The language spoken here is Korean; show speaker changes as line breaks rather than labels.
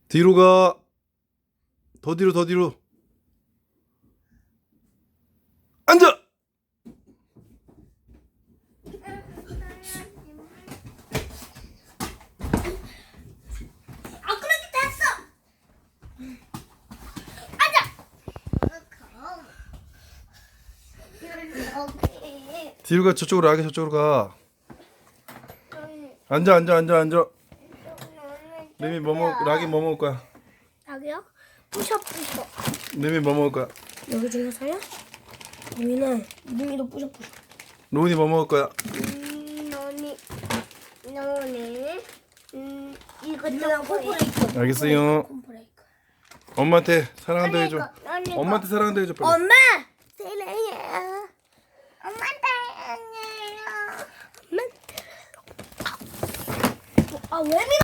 뒤로 가. 더 뒤로, 더 뒤로. 앉아.
아, 그렇게 됐어. 앉아.
뒤로 가. 저쪽으로 가게. 저쪽으로 가. 앉아, 앉아, 앉아, 앉아. 레미 락이 뭐 먹을 거야?
여기요? 뿌셔뿌셔.
레미 뭐 먹을 거야?
여기 중에서요? 유미도 뿌셔뿌셔.
로운이 뭐 먹을 거야?
너네. 이거 콤프레이크.
알겠어요.
콤프레이크.
엄마한테 사랑한다 해줘. 엄마한테 사랑한다 해줘 빨리.
엄마 사랑해요. 엄마 사랑해요. 엄마. 아, 왜